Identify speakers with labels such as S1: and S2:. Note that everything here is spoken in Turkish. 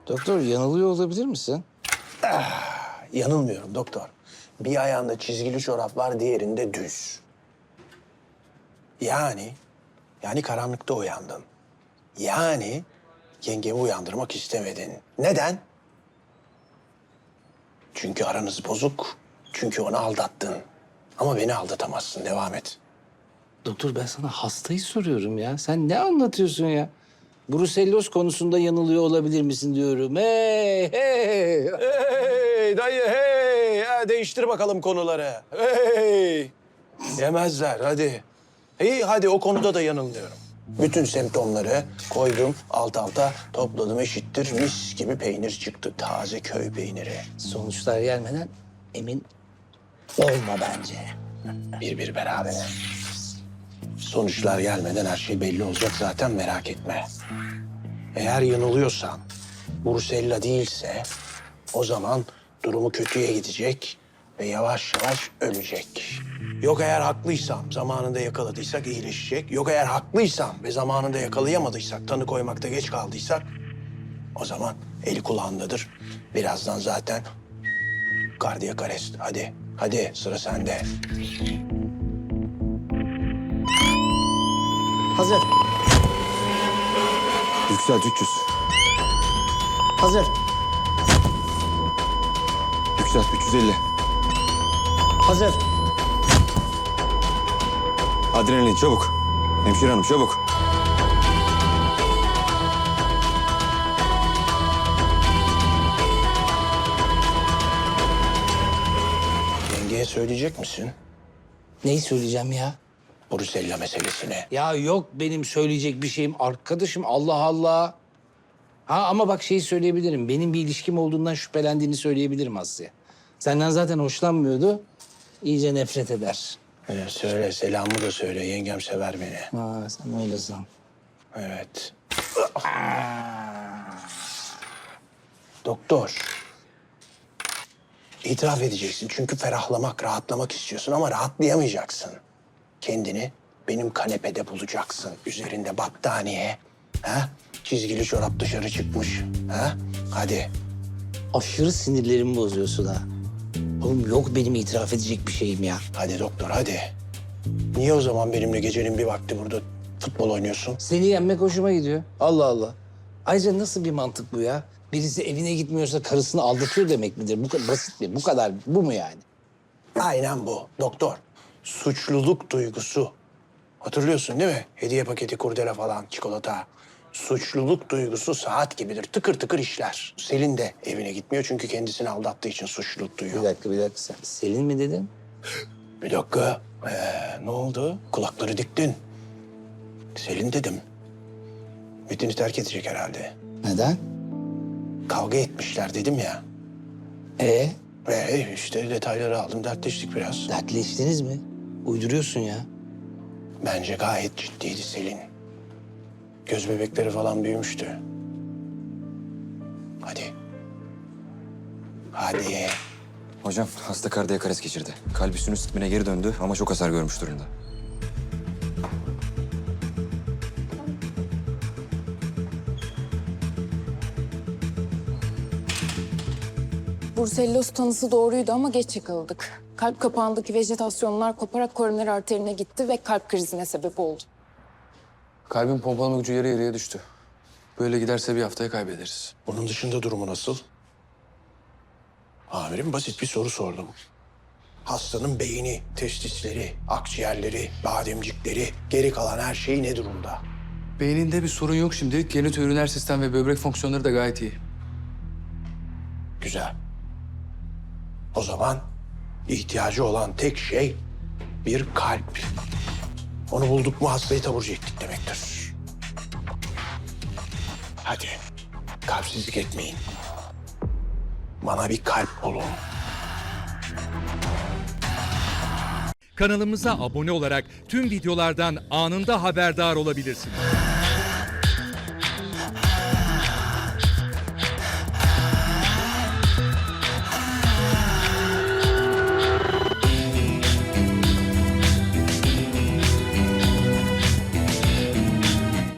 S1: Doktor yanılıyor olabilir misin?
S2: Yanılmıyorum doktor. Bir ayağında çizgili çorap var, diğerinde düz. Yani karanlıkta uyandın. Yani yengemi uyandırmak istemedin. Neden? Çünkü aranız bozuk. Çünkü onu aldattın. Ama beni aldatamazsın. Devam et.
S1: Doktor ben sana hastayı soruyorum ya. Sen ne anlatıyorsun ya? Bruselloz konusunda yanılıyor olabilir misin diyorum. Hey, hey.
S2: Hey dayı hey! Ya, değiştir bakalım konuları. Hey! Yemezler hadi. İyi hadi o konuda da yanılmıyorum. Bütün semptomları koydum alt alta topladım eşittir mis gibi peynir çıktı. Taze köy peyniri.
S1: Sonuçlar gelmeden emin olma bence.
S2: Bir beraber. Sonuçlar gelmeden her şey belli olacak zaten merak etme. Eğer yanılıyorsan, Brusella değilse o zaman durumu kötüye gidecek ve yavaş yavaş ölecek. Yok eğer haklıysam, zamanında yakaladıysak iyileşecek. Yok eğer haklıysam ve zamanında yakalayamadıysak, tanı koymakta geç kaldıysak o zaman eli kulağındadır. Birazdan zaten kardiyak arrest. Hadi sıra sende.
S1: Hazır.
S3: Yükselt 300.
S1: Hazır.
S3: Yükselt 350.
S1: Hazır.
S3: Adrenalin çabuk. Hemşire hanım çabuk.
S2: Yengeye söyleyecek misin
S1: Neyi söyleyeceğim ya?
S2: Brusella meselesini?
S1: Ya yok benim söyleyecek bir şeyim. Arkadaşım Allah Allah. Ha ama bak şeyi söyleyebilirim. Benim bir ilişkim olduğundan şüphelendiğini söyleyebilirim Aslı'ya. Senden zaten hoşlanmıyordu. İyice nefret eder.
S2: Söyle, selamımı da söyle. Yengem sever beni.
S1: Ha sen öyle san.
S2: Evet. Doktor. İtiraf edeceksin çünkü ferahlamak, rahatlamak istiyorsun ama rahatlayamayacaksın. Kendini benim kanepede bulacaksın. Üzerinde battaniye. Ha? Çizgili çorap dışarı çıkmış. Ha? Hadi.
S1: Aşırı sinirlerimi bozuyorsun ha. Oğlum yok benim itiraf edecek bir şeyim ya.
S2: Hadi doktor hadi. Niye o zaman benimle gecenin bir vakti burada futbol oynuyorsun?
S1: Seni yenmek hoşuma gidiyor. Allah Allah. Ayrıca nasıl bir mantık bu ya? Birisi evine gitmiyorsa karısını aldatıyor demek midir? Bu kadar basit mi? Bu kadar, bu mu yani?
S2: Aynen bu doktor. Suçluluk duygusu. Hatırlıyorsun değil mi? Hediye paketi, kurdele falan, çikolata. Suçluluk duygusu saat gibidir. Tıkır tıkır işler. Selin de evine gitmiyor çünkü kendisini aldattığı için suçluluk duyuyor.
S1: Bir dakika. Sen Selin mi dedin?
S2: Bir dakika. Ne oldu? Kulakları diktin. Selin dedim. Metin'i terk edecek herhalde.
S1: Neden?
S2: Kavga etmişler dedim ya. İşte detayları aldım, dertleştik biraz.
S1: Dertleştiniz mi? Uyduruyorsun ya.
S2: Bence gayet ciddiydi Selin. Göz bebekleri falan büyümüştü. Hadi.
S3: Hocam hasta kardiyak arrest geçirdi. Kalbi sinüs ritmine geri döndü ama çok hasar görmüş durumda.
S4: Bruselloz tanısı doğruydu ama geç yakaladık. Kalp kapağındaki vejetasyonlar koparak koroner arterine gitti ve kalp krizine sebep oldu.
S5: Kalbin pompalama gücü yarı yarıya düştü. Böyle giderse bir haftaya kaybederiz.
S2: Bunun dışında durumu nasıl? Amirim basit bir soru sordum. Hastanın beyni, testisleri, akciğerleri, bademcikleri, geri kalan her şey ne durumda?
S5: Beyninde bir sorun yok şimdi. Genitoüriner sistem ve böbrek fonksiyonları da gayet iyi.
S2: Güzel. O zaman ihtiyacı olan tek şey bir kalp. Onu bulduk mu hastayı taburcu ettik demektir. Hadi kalpsizlik etmeyin. Bana bir kalp bulun.
S6: Kanalımıza abone olarak tüm videolardan anında haberdar olabilirsiniz.